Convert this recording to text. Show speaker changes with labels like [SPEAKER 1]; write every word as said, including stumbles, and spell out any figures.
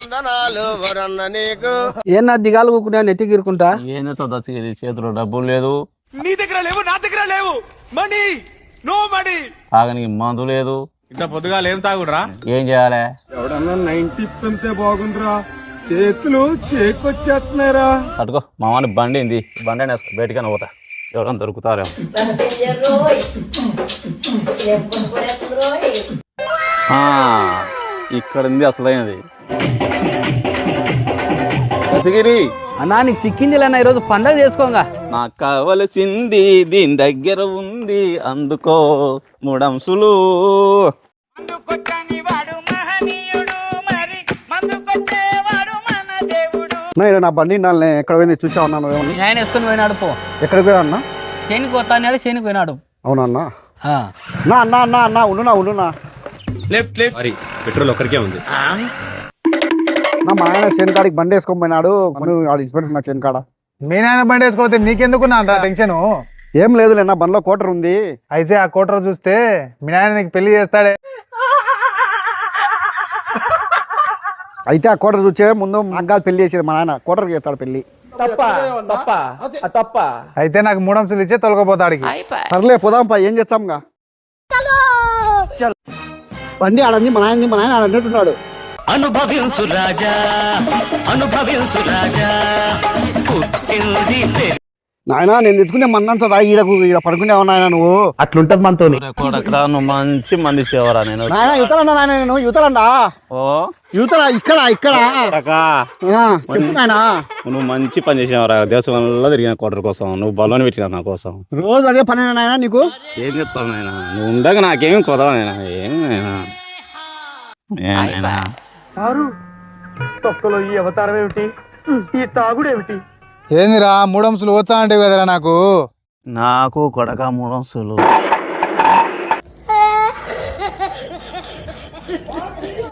[SPEAKER 1] ఏనా దిగాలు కూకున్నా నెత్తి గీరుకుంటా
[SPEAKER 2] ఏం చేస్తావు చేతిలో డబ్బులు లేదు,
[SPEAKER 3] నీ దగ్గర లేవు, నా దగ్గర లేవు, మనీ నో మనీ,
[SPEAKER 2] తాగనికి మందు లేదు.
[SPEAKER 3] ఇంత పొద్దుగా ఏం తాగుడురా?
[SPEAKER 2] ఏం చేయాలి?
[SPEAKER 4] ఎవడన్నా నైన్టీ పెంతే బాగుందిరా, చేతులు చేకొచ్చేస్తున్నారా.
[SPEAKER 2] తట్టుకో మామని బండి ఏంది, బండి అని బయటకైనా పోతా, ఎవడన్నా దొరుకుతారేమో. ఇక్కడ ఉంది అసలైనది. దశగిరి
[SPEAKER 1] అన్నా నీకు సిక్కింది లేనా ఈరోజు పండగ చేసుకోగా.
[SPEAKER 2] నాకు కావలసింది దీని దగ్గర ఉంది, అందుకో మూడంసులు.
[SPEAKER 4] నా బండి ఎక్కడ పోయింది చూసా ఉన్నాను.
[SPEAKER 1] ఆయన వేసుకొని పోయినాడు పో.
[SPEAKER 4] ఎక్కడికి పోయా అన్న?
[SPEAKER 1] చేనికి పోతా అన్నాడు, చేనికి పోయినాడు.
[SPEAKER 4] అవునా అన్న? నా అన్న అన్న అన్న ఉండునా ఉండునా
[SPEAKER 3] లెఫ్ట్ లెఫ్ట్ మరి పెట్రోల్ ఒక్కరికే ఉంది.
[SPEAKER 4] నా మా ఆయన చేను కాడికి బండి వేసుకొని పోయినాడు, ఇన్స్పెక్టర్ నా చేను కాడ.
[SPEAKER 5] మీ నాయన బండి వేసుకోతే నీకెందుకు నా టెన్షన్?
[SPEAKER 4] ఏం లేదులే, నా బండిలో కోటర్ ఉంది.
[SPEAKER 5] అయితే ఆ కోటర్ చూస్తే మీ నాయన నీకు పెళ్లి చేస్తాడే.
[SPEAKER 4] అయితే ఆ కోటర్ చూసే ముందు నాకు పెళ్లి చేసేది మా నాయన, కోటర్కి చేస్తాడు పెళ్లి.
[SPEAKER 5] అయితే నాకు మూడంశలు ఇచ్చే తొలగపోతాడు.
[SPEAKER 4] సర్లే పోదాంపా, ఏం చేస్తాంగా. బండి ఆడంది మా నాయనది, మా నాయన ఆడన్నట్టున్నాడు.
[SPEAKER 6] అనుభవించు రాజా, అనుభవించు రాజా.
[SPEAKER 4] నాయన నేను తెచ్చుకునే మందంతా తాగి ఈడకు ఈడ పడుకునేవా నాయన నువ్వు?
[SPEAKER 2] అట్లుంటది మనతో. నువ్వు మంచి మంది చేవరా. నేను
[SPEAKER 4] నాయన యువతలండా, నాయన నేను యువతలండా.
[SPEAKER 2] ఓ
[SPEAKER 4] యువతల ఇక్కడ ఇక్కడ చెప్పు నాయన.
[SPEAKER 2] నువ్వు మంచి పని చేసినవరా, దేశం వల్ల తిరిగిన కోటర్ కోసం, నువ్వు బలోని పెట్టినా నా కోసం.
[SPEAKER 4] రోజు అదే పని నాయన నీకు.
[SPEAKER 2] ఏం చెప్తావు నాయన, నువ్వు ఉండగా నాకేమి కొదవా నాయన. ఏం నాయన
[SPEAKER 5] తొక్కలో ఈ అవతారం ఏమిటి, ఈ తాగుడు ఏమిటి? ఏందిరా మూడంశలు వచ్చా అంటే కదరా నాకు.
[SPEAKER 2] నాకు కొడక మూడంశలు.